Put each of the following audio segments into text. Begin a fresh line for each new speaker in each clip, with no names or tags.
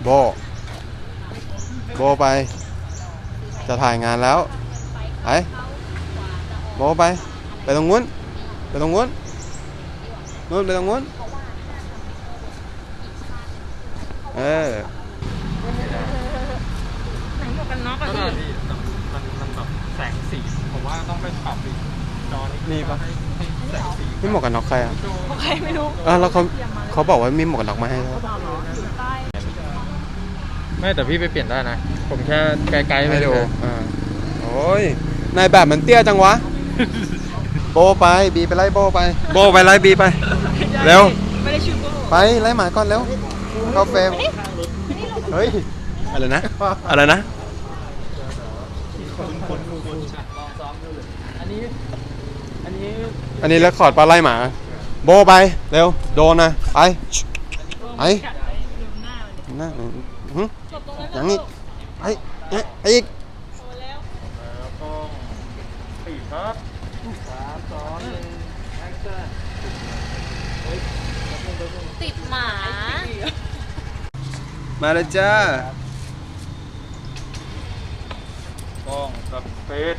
โบไปจะถ่ายงานแล้วไปโบไปตรงนู้นไปตรงนู้นนู้นไปตรงนู้น
ไหนหมวกกันน็อกอะพี่
มันแบบแสงสีผมว่าต้องไปปรับอีกจอนี่
ปะ
ให้แสงสี
มีหมวกกันน็อกใครอ่ะ
ของใครไม่รู้
แล้วเขาบอกว่ามีหมวกกันน็อกมาให้แล้ว
ไม่แต่พี่ไปเปลี่ยนได้นะผมแค่ไกลๆ
ให้ดูโอ้ยนายแบบมันเตี้ยจังวะโบไปบีไปไล่โบไปไล่บีไปเร็ว
ไม่ได้ชื่อโบ
ไปไล่หมาก่อนเร็วเข้าเฟรมเฮ้ยอะไรนะอันนี้แล้วขอดปลาไล่หมาโบไปเร็วโดนนะไปหน้าอย่างนี้ไอ้อีก
ติดหมา
มาเลยจ้า
ป้องกับเฟส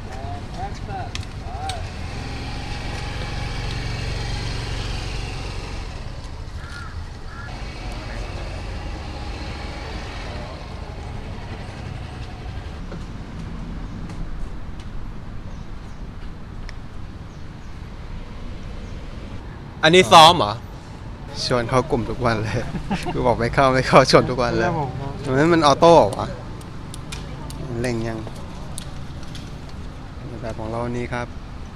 อันนี้ซ้อมเหรอชวนเข้ากลุ่มทุกวันเลยกูบอกไม่เข้าชวนทุกวันเลยมันออโต้เหรอวะเร่งยังแบบของเรานี้ครับ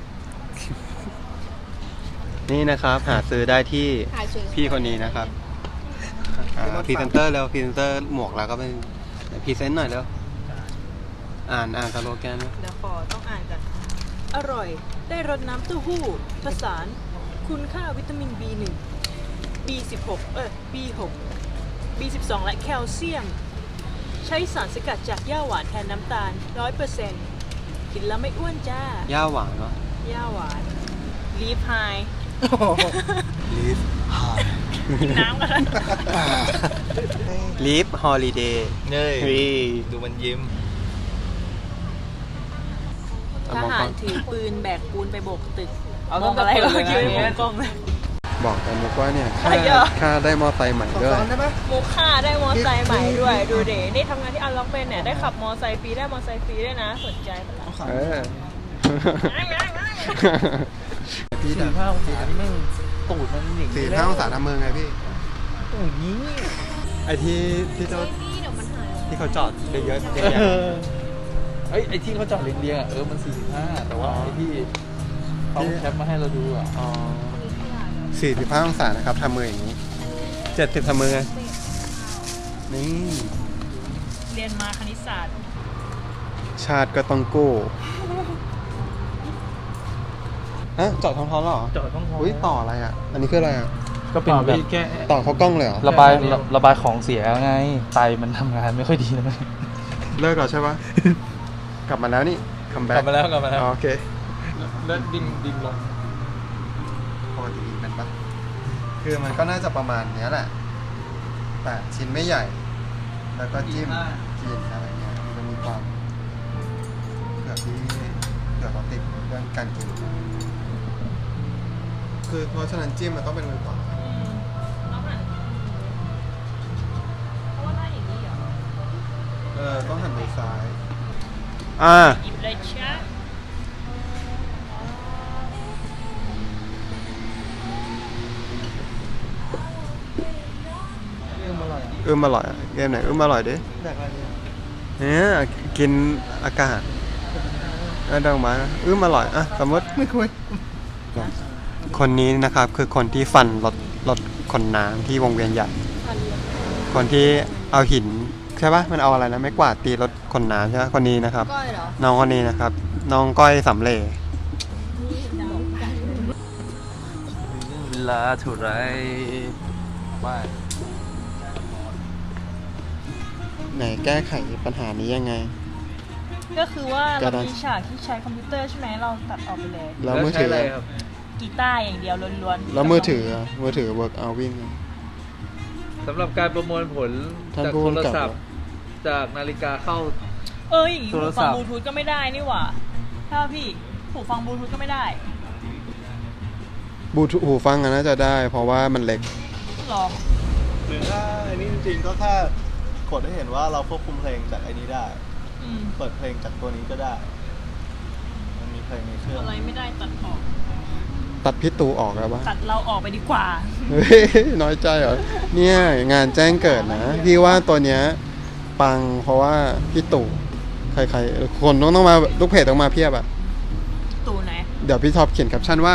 นี่นะครับหาซื้อได้ที่พี่คนนี้นะครับพรีเซนเตอร์แล้วพรีเซนเตอร์หมวกแล้วก็เป็นพรีเซนต์หน่อยแล้วอ่านสโลแกนไหม
เดี๋ยวต้องอ่านกันอร่อยได้รสน้ำเต้าหู้ผสานคุณค่าวิตามิน B1 B16 B6 B12 และแคลเซียมใช้สารสกัดจากหญ้าหวานแทนน้ำตาล 100% กินแล้วไม่อ้วนจ้า
หญ้าหวานเนาะ
หญ้าหวานลีฟไฮ
ลีฟไฮ
กินน้ำกัน
ลีฟฮอลิเดย์
ดูมันยิ้ม
ทหารถือปืนแบกปูนไปโบกตึกมองอะไรก็ยืนมองกล้องเลย
บอกกันมุกว่าเนี่ยค่าได้มอไซค์ใหม่ด้วย
มุกค่าได้มอไซค์ใหม่ด้วยดูเด๋นี่ทำงานที่อันล็อกเป็นเนี่ยได้ขับมอไซค์ฟรีได้มอไซค์ฟรีด้วยนะสนใจปะล่ะ
45 องศานี่แม่งตูดมันอย่างนี้
45 องศาทำเมืองไงพี่
อย่างนี้
ไอที่เขาจอดเยอะ
ไอ้ที่เขาจอดเรียงๆมัน45แต่ว่าไอ้ที่เขาแคปมาให้เราดู
45 องศานะครับทำมืออย่างนี้70ทำมือไงนี่
เรียนมาคณิตศาสตร์
ชาติก็ต้องกู้จอดท้องๆหรอ
จอดท้อง
อุ้ยต่ออะไรอ่ะอันนี้คืออะไรอ่ะ
ก็เป็นแบบแค่
ต่อเขากล้องเลยเหรอ
ระบายของเสียไงไตมันทำงานไม่ค่อยดีนะ
เลิกแล้วใช่ปะกลับมาแล้วนี่คัมแบ็ก
กลับมาแล้ว
โอเค
เลิกดิ่งลง
พอดีเป็นปะคือมันก็น่าจะประมาณนี้แหละแต่ชิ้นไม่ใหญ่แล้วก็จิ้มกินอะไรเงี้ยมันมีความเผื่อเราติดเรื่องการกินคือเพราะฉะนั้นจิ้มมันต้องเป็นมือขวาต้องหันมือซ้าย
หยิบเลยช้า
อร่อยเกมไหนอร่อยดิเนี่ยกินอากาศดังมาอร่อยสมมติไม่คุยคนนี้นะครับคือคนที่ฟันรถขนน้ำที่วงเวียนใหญ่คนที่เอาหินใช่ปะมันเอาอะไรนะไม่กวาดตีรถขนน้ำใช่ปะคนนี้นะครับน้องคนนี้นะครับน้องก้อยสำเร็จ
เวลาเท่าไรว่า
ไหนแก้ไขปัญหานี้ยังไง
ก็คือว่าเรามีฉากที่ใช้คอมพิวเตอร์ใช่ไหมเราตัดออกไปเลย
แล้วมือถือ
กีตาร์อย่างเดียวล้วน
ๆแล้วมือถือเวิร์กเอาวิ่ง
สำหรับการประมวลผล
ท่าน
จาก
ผู้
โทร
กำกับ
ศัพท์ จากนาฬิกาเข้า
อย่างงี้
โทร
หู
ศั
ฟัง
พท์
บลูทูธก็ไม่ได้นี่หว่าถ้าพี่หูฟังบลูทูธก็ไม่ได้
บลูทูธหูฟังอะน่าจะได้ เพราะว่ามันเล็ก
หรอ
หรือถ้าไอ้นี่จริงๆก็แค่กดให้เห็นว่าเราควบคุมเพลงจากไอ้นี้ได้
อืม
เปิดเพลงจากตัวนี้ก็ได้ มันมีเพลงในเครื่อง
อะไรไม่ได้ตัดออก
ตัดพี่ตูออกแล้วปะ
ตัดเราออกไปดีกว่า
เฮ้ยน้อยใจเหรอ เนี่ยงานแจ้งเกิดนะ พี่ว่าตัวเนี้ยปังเพราะว่าพี่ตู่ใครๆคนต้องมาลูกเพจต้องมาเพียบอะ
ตูไหน
เดี๋ยวพี่ท็อปเขียนแคปชั่นว่า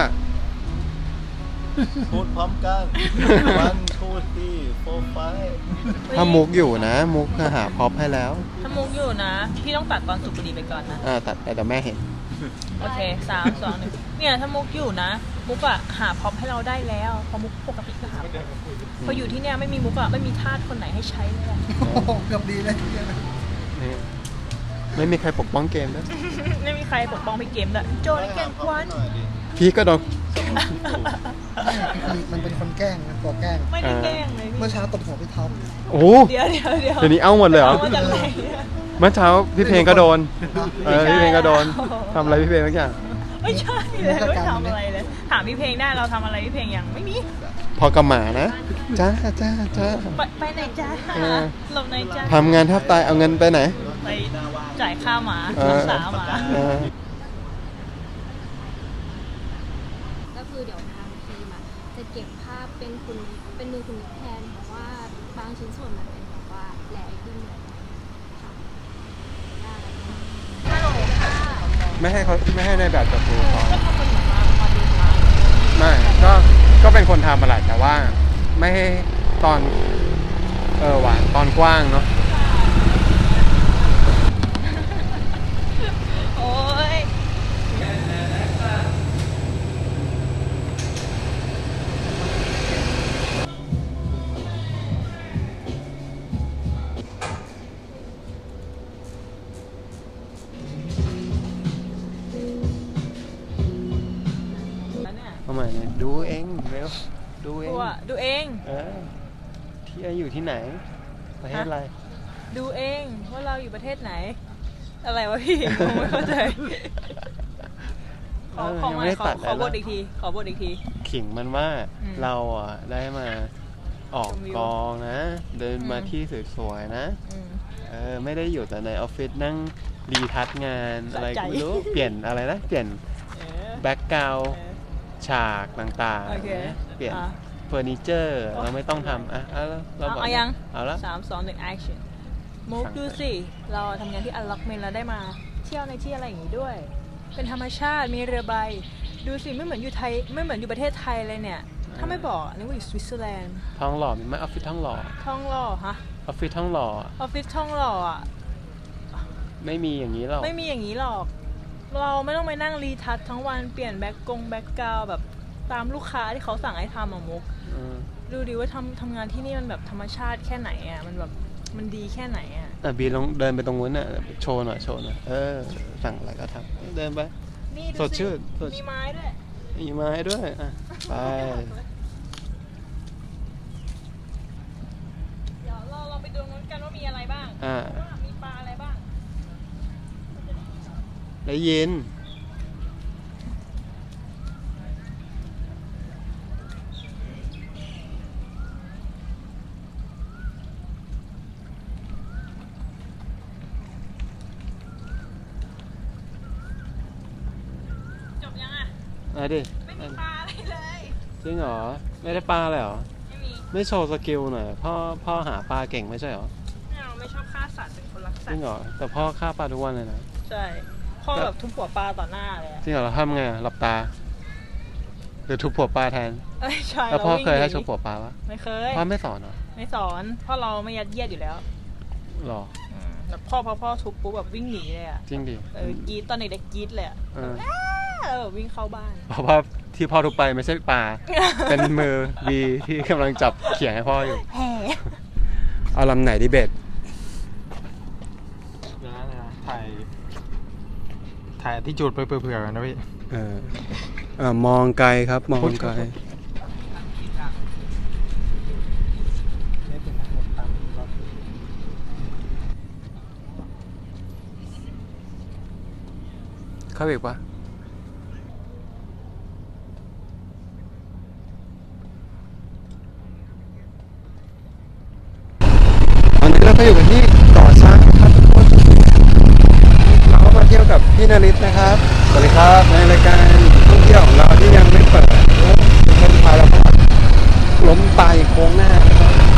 พูดพร้อมกันวันทูที่โฟร์ไฟ
ถ้ามุกอยู่นะ มุกหาพร็อพให้แล้ว
ถ้ามุกอยู่นะ พี่ต้องตัดตอนสุกดีไปก่อนนะ
ตัดแต่เดี๋ยวแม่เห็น
โอเค3 2 1เนี่ยถ้ามุกอยู่นะ มุกอะหาพร็อพให้เราได้แล้วเพราะมุกปกติก็หาพออยู่ที่เนี่ยไม่มีมุกอะไม่มีทาสคนไหนให้ใช้เลยอะ
เกือบดีเลย
นี่ไม่มีใครปกป้องเกมด้วย
ไม่มีใครปกป้องพี่เกมเลยโจนแกนควัน
พี่ก็โดน
มันเป็นคนแกล้งมันตัวแกล้ง
ไม่ได้แกล้งเลย
เมื่อเช้าตบหัวพี่ท็อป
โอ้
เดี๋ยว
เดี๋ยวนี้เอาหมดเลยเหรอ
ามาจากไหนเนี่ย
เมื่อเช้าพี่เพลงก็โดน
ไม่ใช่
พี่เพลงก็โดน
โอ้โห
ทำอะไรพี่เพลงทุกอย่าง
ไม่ใช่เลยไม่ทำอะไรเลย ถามพี่เพลงได้เราทำอะไรพี่เพลงยังไม่มี
พอกระหมานะ จ้า
ไปไหนจ้า
เออ
หลบไหนจ้า
ทำงานแทบตายเอาเงินไปไหน
ไปจ่ายค่าหมา
เอ
รั
อก
ษาหมา
เออ
ก็คือเดี๋ยวทางทีมอะจะเก็บภาพเป็นมือคุณนิกแทนเพราะว่าบางชิ้นส่วนมันเป็นแบบว่าแหลกขึ้นเลยค่ะได้ฮัลโหลค่ะ
ไม่ให้ในแบบจับดูเขา
ก็ทำเป็นเหมือนมาดูมา
ไม่ก็เป็นคนทำมาแหละแต่ว่าไม่ให้ตอนว่ะตอนกว้างเนาะ
โอ้ย แล้วเนี่ย
ทำไมเนี่ยดูเองเร็วดูเอง
ดูเอง
ที่อยู่ที่ไหน ประเทศอะไร
ดูเองว่าเราอยู่ประเทศไหน อะไรวะพี่ ผมไม่เข้าใจ ขอ
ยังไม่ได้ตัด
ขอบท
เลยนะ
อีกที ขอบทอีกที
ขิงมันว่า
อืม
เราอ่ะได้มาออก
ชมวิว
กองนะ เดินมา
อืม
ที่สวยๆนะ
อืม
ไม่ได้อยู่แต่ในออฟฟิศนั่งรีทัชงานอะไร
สะใจ
ก็ไม่รู้ เปลี่ยนอะไรนะ เปลี่ยน
เออ
แบ็กกราว
เออ
ฉากต่าง
โอเค
ๆนะเปลี่ยน
อ่ะ
เฟอร์นิเจอร์เราไม่ต้องทำเราบอก
เอายัง
เอาละ
3 2 1 action มุก
สั่ง
ดูสิ เราทำงานที่อัลล็อกเมนแล้วได้มา เที่ยวในที่อะไรอย่างนี้ด้วย เป็นธรรมชาติ มีเรือใบ ดูสิ ไม่เหมือนอยู่ไทย ไม่เหมือนอยู่ประเทศไทยเลยเนี่ย ถ้าไม่บอกนึกว่าอยู่สวิตเซอร์แลนด์
ท้องหล่อมีไหมออฟฟิศท้องหล่อ
ท่องหล่อฮะ
ออฟฟิศท้องหล่อ
ออฟฟิศท่องหล่ออ่ะ
ไม่มีอย่างนี้หรอก
ไม่มีอย่างนี้หรอก เราไม่ต้องไปนั่งรีทัชทั้งวันเปลี่ยนแบ็กกราวแบบตามลูกค้าที่เขาสั่งให้ทำอะมุก
อืม
ดูดิว่าทำงานที่นี่มันแบบธรรมชาติแค่ไหนอ่ะ มันแบบมันดีแค่ไหนอ่ะ
บีลองเดินไปตรงนู้นน่ะโชว์หน่อยสั่งอะไรก็ทำเดินไป
นี่ดู
สดชื่นสด
มีไม้ด้วย
มีไม้ด้วยอ่ะไป
เดี๋ยวเราไปดูนู้นกันว่ามีอะไรบ้าง ว่ามีปลาอะไรบ้าง
ได้ยิน
จบยังอ่ะ
ดิ
ไม่มีปลาอะไรเลย
จริงเหรอไม่ได้ปลาเลยเหรอ
ไม่มี
ไม่โชว์สกิลหน่อยพ่อหาปลาเก่งไม่ใช่เหรอ
เราไม่ชอบฆ่าสัตว์เป็นคนรัก
จ
สัต
ริง
ว์
เหรอแต่พ่อฆ่าปลาทุกวันเลยนะ
ใช่พ่อแบบทุบหัวปลาต่อหน้าเลยอะ
จริงเหรอเราทำไงหลับตาหรือทุบหัวปลาแทน
เอ้ยใช่
แล้วพ่อ
ราวิ่ง
เคยให้
นี
ทุบหัวปลาปะ
ไม่เคย
พ่อไม่สอนเหรอ
ไม่สอนเพราะเราไม่ยัดเยียดอยู่แล้ว
หรอ
แบบพ่อทุบปุ๊บแบบวิ่งหนีเลยอ่ะ
จริงดิ
กรีดตอนเด็กๆกรีดเลยอ่ะ
เออ
แบบวิ่งเข้าบ้าน
เพราะว่าที่พ่อทุบไปไม่ใช่ปลา เป็นมือบีที่กำลังจับเขียงให้พ่ออยู่
แห่
เอาลำไหนดิเบต
ถ่ายที่จุดไปเผื่อๆกันนะพี่
มองไกลครับ มองไกล
นิดนึ
เข้าอีกปะตอนนี้เราก็อยู่กันที่ก่อสร้างครับทุกคนเราก็มาเที่ยวกับพี่นฤทธิ์นะครับ สวัสดีครับในรายการท่องเที่ยวของเราที่ยังไม่เปิดทุกคนพาเราเข้ามาล้มตายโค้งหน้านะครับ